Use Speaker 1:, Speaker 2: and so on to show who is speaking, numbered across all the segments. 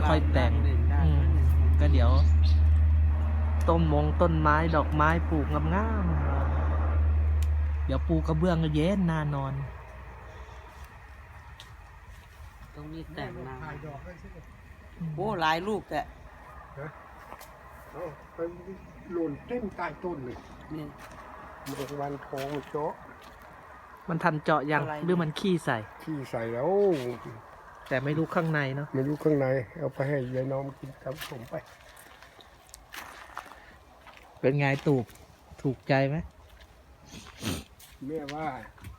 Speaker 1: ค่อยแต่งก็เดี๋ยวต้นไม้ดอกไม้ปลูกงามๆเดี๋ยวปูกระเบื้องก็เย็นน่านอน
Speaker 2: ตรงนี้แต่งมา
Speaker 3: ถ่ายดอกได้สิ
Speaker 2: โอ้หลายลูกแต่
Speaker 3: เอาไปหล่นเต็มใต้ต้นเลย
Speaker 2: นี่
Speaker 3: เมื่อวันทองเจาะ
Speaker 1: มันทันเจาะยัง
Speaker 2: อะไร
Speaker 1: หรือมันขี้ใส่
Speaker 3: ที่ใส่แล้ว
Speaker 1: แต่ไม่รู้ข้างในเนาะ
Speaker 3: ไม่รู้ข้างในเอาไปให้ยายน้อมกินกับผมไป
Speaker 1: เป็นไงถูกใจไหม
Speaker 3: แม่ว่า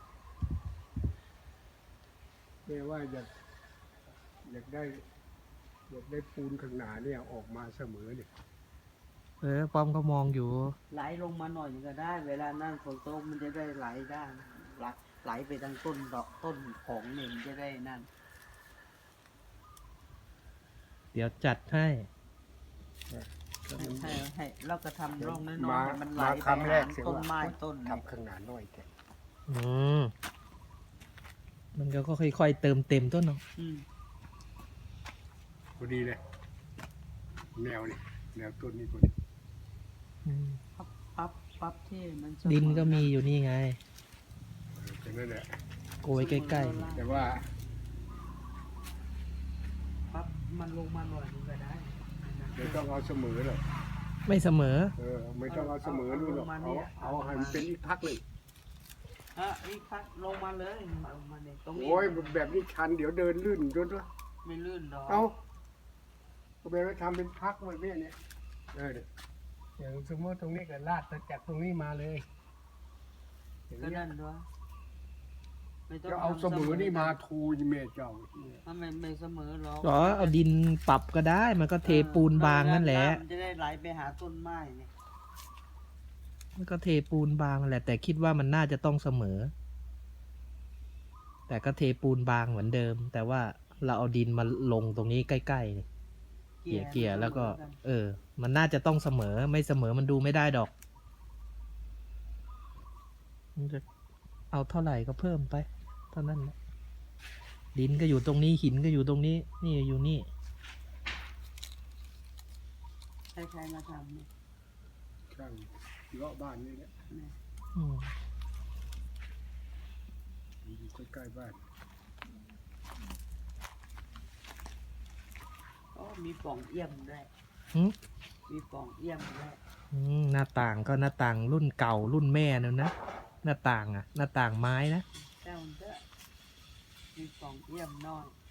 Speaker 3: อยากได้ปูนข้างหน้าเนี่ยออกมาเสมอเนี่ย
Speaker 1: ป้อมก็มองอยู่
Speaker 2: ไหลลงมาหน่อยก็ได้ เวลานั่นฝนตกมันจะได้ไหลได้ไหลไปทางต้นดอกต้นของเนี่ยมันจะได้นั่น
Speaker 1: เดี๋ยวจัดให้
Speaker 2: ให้เราก็ทำร่องน้อยๆ
Speaker 3: มา
Speaker 2: ให้มันไหล
Speaker 3: มา
Speaker 2: ไป
Speaker 3: คำแร
Speaker 2: หาก
Speaker 3: เสีย
Speaker 2: ต้น
Speaker 3: ว่า
Speaker 2: ไม้ต้นนี่
Speaker 3: ทำข้างหน้าน้อยแก
Speaker 1: อืมมันก็ค่อยๆเติมเต็มต้นเนาะ
Speaker 2: อืม
Speaker 3: พอดีเลยแนวนี่แนวต้นนี้พอดี
Speaker 1: อืม
Speaker 2: ปั๊บที่มันเสมอ
Speaker 1: ดินก็มีอยู่นี่ไง
Speaker 3: แค่นั้นแหละ
Speaker 1: โกยใกล้
Speaker 3: แต่ว่า
Speaker 2: ปั๊บมันลงมาหน่อยนึงก็ได้
Speaker 3: ไม่ต้องเอาเสมอหรอก
Speaker 1: ๆไม่เสมอ
Speaker 3: ไม่ต้องเอาเสมอนู่นหรอกเอาให้มันเป็นอีกพักเลย
Speaker 2: อีกพักลงมาเลยลงมาเนี่ยตรงนี้
Speaker 3: โอ้ยแบบนี้ชันเดี๋ยวเดินลื่นจนวะ
Speaker 2: ไม่ลื่นดอก
Speaker 3: เอาก็แบบว่าทำเป็นพักไว้เนี่ยอย่างสมมติตรงนี้ก็ลาดจากตรงนี้มาเลยอย่าง
Speaker 2: ก็
Speaker 3: นี้
Speaker 2: นั่นด้วยไม่ต้อง
Speaker 3: จะเอาเสมอนี่มาทูยเมเจ้า
Speaker 2: ถ้าไม่เสมอหรอก
Speaker 1: อ๋อเอาดินปรับก็ได้ มันก็เทปูนบางนั่นแหละ
Speaker 2: มันจะได้ไหลไปหาต้นไม้เนี่ย
Speaker 1: มันก็เทปูนบางนั่นแหละ แต่คิดว่ามันน่าจะต้องเสมอ แต่ก็เทปูนบางเหมือนเดิม แต่ว่าเราเอาดินมาลงตรงนี้ใกล้ๆนี่เกี่ยแล้วก็ มันน่าจะต้องเสมอ ไม่เสมอมันดูไม่ได้ดอกมันจะเอาเท่าไหร่ก็เพิ่มไปเท่านั้นแหละดินก็อยู่ตรงนี้หินก็อยู่ตรงนี้ นี่อยู่นี่
Speaker 2: ใครๆมาทำเนี่ย
Speaker 3: ช่างเลาะบ้านนี่แหละ
Speaker 1: อืม
Speaker 3: อยู่ใกล้ๆบ้าน
Speaker 2: มีปล่องเอี่ยมด้วย
Speaker 1: หืม
Speaker 2: มีปล่องเอี่ยมด้วย
Speaker 1: หน้าต่างก็หน้าต่างรุ่นเก่ารุ่นแม่นั่นนะหน้าต่างหน้าต่างไม้นะ
Speaker 2: แต่มันก็มีปล่องเอี่ยมน้อย